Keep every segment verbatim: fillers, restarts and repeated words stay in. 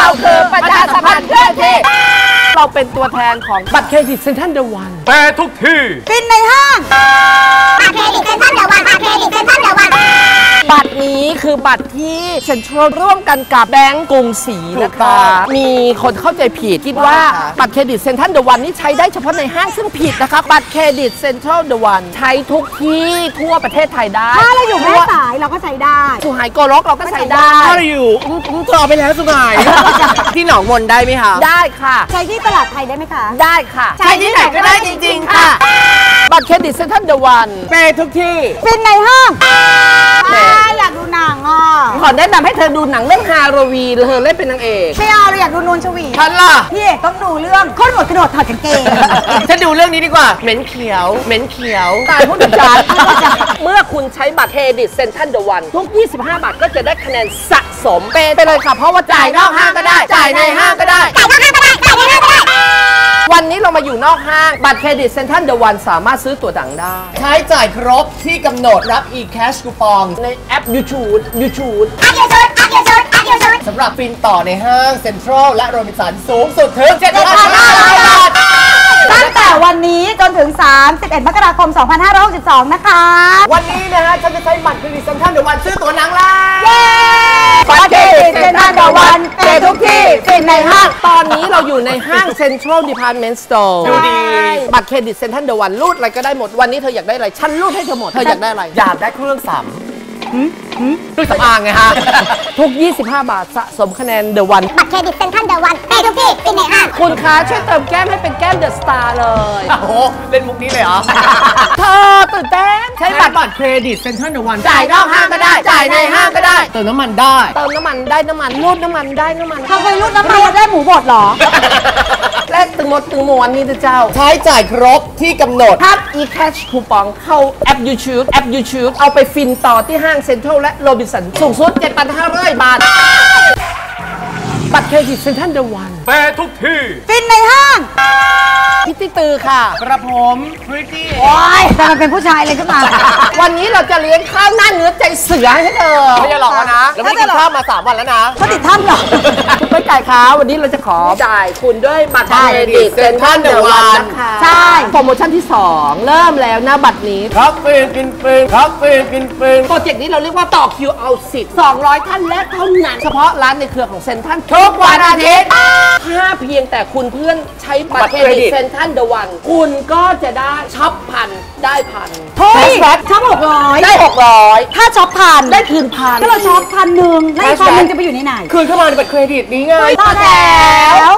คือประชาสัมพันธ์เคลื่อนที่เราเป็นตัวแทนของบัตรเครดิตเซ็นทรัลเดอะวันแปรทุกที่ฟินในห้างบัตรเครดิตเซ็นทรัลเดอะวันบัตรเครดิตเซ็นทรัลเดอะวันบัตรนี้คือบัตรที่เซ็นทรัลร่วมกันกับแบงก์กรุงศรีนะคะมีคนเข้าใจผิดคิดว่าบัตรเครดิตเซ็นทรัลเดอะวันนี่ใช้ได้เฉพาะในห้างซึ่งผิดนะคะบัตรเครดิตเซ็นทรัลเดอะวันใช้ทุกที่ทั่วประเทศไทยได้ถ้าเราอยู่แม่สายเราก็ใช้ได้สุไหงโกลกเราก็ใช้ได้ถ้าเราอยู่อุ้งต่อไปแล้วสุไหงที่หนองมนได้ไหมคะได้ค่ะใช้ที่ตลาดไทยได้ไหมคะได้ค่ะใช้ที่ไหนก็ได้จริงๆค่ะบัตรเครดิตเซ็นทรัลเดอะวันเปทุกที่ฟินในห้างอยากดูหนังอ่ะขอแนะนำให้เธอดูหนังเรื่องฮาโลวีนเธอเล่นเป็นนางเอกไม่เอาเราอยากดูนวลชวีฉันล่ะพี่เอกต้องดูเรื่องโคตรหมดกระโดดถอดกางเกงฉันดูเรื่องนี้ดีกว่าเหม็นเขียวเหม็นเขียวตายพูดถึงฉันเมื่อคุณใช้บัตรเครดิตเซ็นทรัลเดอะวันทุกยี่สิบห้าบาทก็จะได้คะแนนสะสมเป็นไปเลยค่ะเพราะว่าจ่ายนอกห้างก็ได้จ่ายในห้างก็ได้จ่ายนอกห้างก็ได้จ่ายในห้างก็ได้วันนี้เรามาอยู่นอกห้างบัตรเครดิตเซ็นทรัลเดอะวันสามารถซื้อตั๋วหนังได้ใช้จ่ายครบที่กำหนดรับ e-cash คูปองในแอป YouTube YouTube แอป YouTube แอป YouTube แอป YouTube สำหรับฟินต่อในห้างเซ็นทรัลและโรบินสันสูงสุดถึง เจ็ดพันห้าร้อย บาทตั้งแต่วันนี้จนถึงสามสิบเอ็ดมกราคมสองพันห้าร้อยหกสิบสองนะคะวันนี้นะฮะฉันจะใช้บัตรเครดิตเซ็นทรัลเดอะวันซื้อตั๋วหนังแล้วเย้บัตรเครดิตเซ็นทรัลเดอะวันเป็นทุกที่ฟินในห้างตอนนี้เราอยู่ในห้างเซ็นทรัลดีพาร์ตเมนต์สโตร์ดูดีบัตรเครดิตเซ็นทรัลเดอะวันรูดอะไรก็ได้หมดวันนี้เธออยากได้อะไรฉันรูดให้เธอหมดเธออยากได้อะไรอยากได้เครื่องสำเครื่องสำอางไงฮะทุกยี่สิบห้าบาทสะสมคะแนนเดอะวันบัตรเครดิตเซ็นทรัลเดอะวันเป็นทุกที่ฟินในห้างคุณคะช่วยเติมแก้มให้เป็นแก้มเดอะสตาร์เลยโอ้โหเล่นมุกนี้เลยเหรอเธอตื่นเต้นใช้บัตรเครดิตเซ็นทรัลเดอะวันจ่ายนอกห้างก็ได้จ่ายในห้างก็ได้เติมน้ำมันได้เติมน้ำมันได้น้ำมันรูดน้ำมันได้น้ำมันทำไมรูดน้ำมันได้หมูบดหรอแลกตึงหมดตึงมวนนี่เจ้าใช้จ่ายครบที่กำหนดทับ e-cash คูปองเข้าแอป YouTube แอป YouTube เอาไปฟินต่อที่ห้างเซ็นทรัลและโรบินสันสูงสุด เจ็ดพันห้าร้อย บาทบัตรเครดิตเซ็นทรัลเดอะวันแปรทุกที่ฟินในห้างพิตตี้ตือค่ะกระผมพริตตี้โอ้ยแต่มันเป็นผู้ชายเลยขึ้นมาวันนี้เราจะเลี้ยงข้าวหน้าเนื้อใจเสือให้เธอไม่จะหลอกนะเราไม่ได้กินข้าวมาสามวันแล้วนะเขาติดถ้ำหรอคุณไม่จ่ายค่ะวันนี้เราจะขอจ่ายคุณด้วยบัตรเครดิตเซ็นทรัลเดอะวันนะคะใช่โปรโมชั่นที่สองเริ่มแล้วนะบัตรนี้ครับฟรีกินฟรีครับฟรีกินฟรีโปรเจกต์นี้เราเรียกว่าต่อคิวเอาสิทธิ์สองร้อยท่านและเท่านั้นเฉพาะร้านในเครือของเซ็นทรัลทุกวันอาทิตย์ถ้าเพียงแต่คุณเพื่อนใช้บัตรเครดิตเซ็นทรัลเดอะวันคุณก็จะได้ช็อปพันได้พันเฮ้ยช็อปหกร้อยได้หกร้อยถ้าช็อปพันได้คืนพันถ้าเราช็อปพันหนึ่งแล้วพันหนึ่งจะไปอยู่ในไหนคืนเข้ามาในบัตรเครดิตนี้ไงต่อแล้ว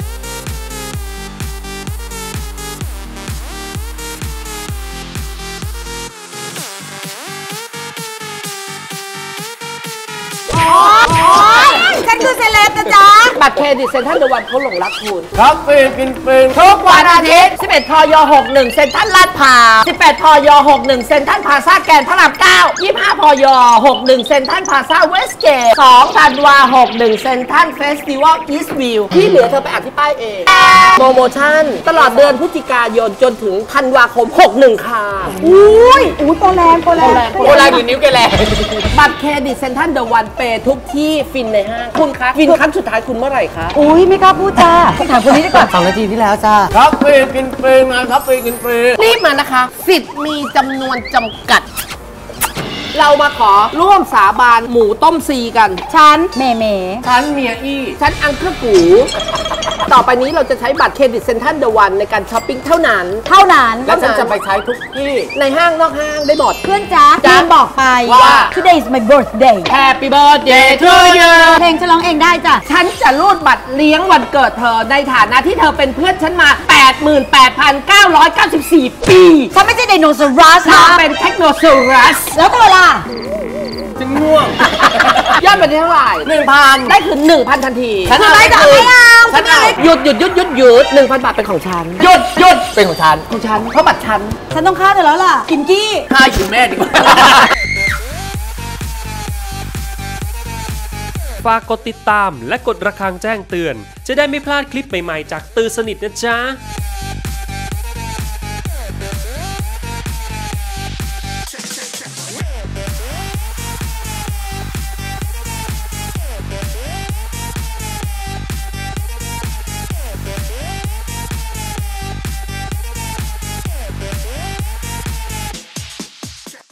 ฉันคือเซเลบนะจ๊ะบัตรเครดิตเซ็นทรัลเดอะวันเขาหลงรักคุณครับฟรีกินฟรีทุกวันอาทิตย์สิบเอ็ดพยหกสิบเอ็ดเซ็นทรัลลาดพร้าวสิบแปดพยหกสิบเอ็ดเซ็นทรัลพลาซ่าแกรนด์พระรามเก้ายี่สิบห้าพยหกสิบเอ็ดเซ็นทรัลพลาซ่าเวสเกตสองธันวาหกสิบเอ็ดเซ็นทรัลเฟสติวัลอีสต์วิวที่เหลือเธอไปอ่านที่ป้ายเองโปรโมชั่นตลอดเดือนพฤศจิกายนจนถึงธันวาคมหกสิบเอ็ดค่ะอุ้ยอุ้ยโปรแรงโปรแรงโปรแรงอยู่นิ้วแกแรงบัตรเครดิตเซ็นทรัลเดอะวันเปย์ทุกที่ฟินในห้างคุณคะฟินครั้งสุดท้ายคุณเมื่อไหร่คะอุ้ยไม่กล้าพูดจ้าถามคนนี้ดีกว่าสองนาทีที่แล้วจ้าครับฟรีกินฟรีงานครับฟรีกินฟรีรีบมานะคะสิทธิ์มีจำนวนจำกัดเรามาขอร่วมสาบานหมูต้มซีกันฉันเมเมฉันเมียอี้ฉันอังเคอร์กูต่อไปนี้เราจะใช้บัตรเครดิตเซ็นทรัลเดอะวันในการช้อปปิ้งเท่านั้นเท่านั้นและฉันจะไปใช้ทุกที่ในห้างนอกห้างได้หมดเพื่อนจ๊ะจ๊ะบอกไปว่า today is my birthday Happy birthday to you เพลงฉันร้องเองได้จ้ะฉันจะรูดบัตรเลี้ยงวันเกิดเธอในฐานะที่เธอเป็นเพื่อนฉันมา แปดหมื่นแปดพันเก้าร้อยเก้าสิบสี่ ปีฉันไม่ใช่ไดโนเสาร์นะเป็นเทคโนโซรัสแล้วตัวล่ะจึงง่วงยอดเป็นเท่าไหร่หนึ่งพันได้คือหนึ่งพันทันทีฉันเอาไม่เอาฉันเอาหยุดหยุดหยุดหยุดหยุดหนึ่งพันบาทเป็นของฉันหยุดหยุดเป็นของฉันของฉันเพราะบัตรฉันฉันต้องฆ่าเธอแล้วล่ะกินกี้ฆ่าอยู่แม่ดีกว่าฝากกดติดตามและกดระฆังแจ้งเตือนจะได้ไม่พลาดคลิปใหม่ๆจากตื่นสนิทนะจ๊ะ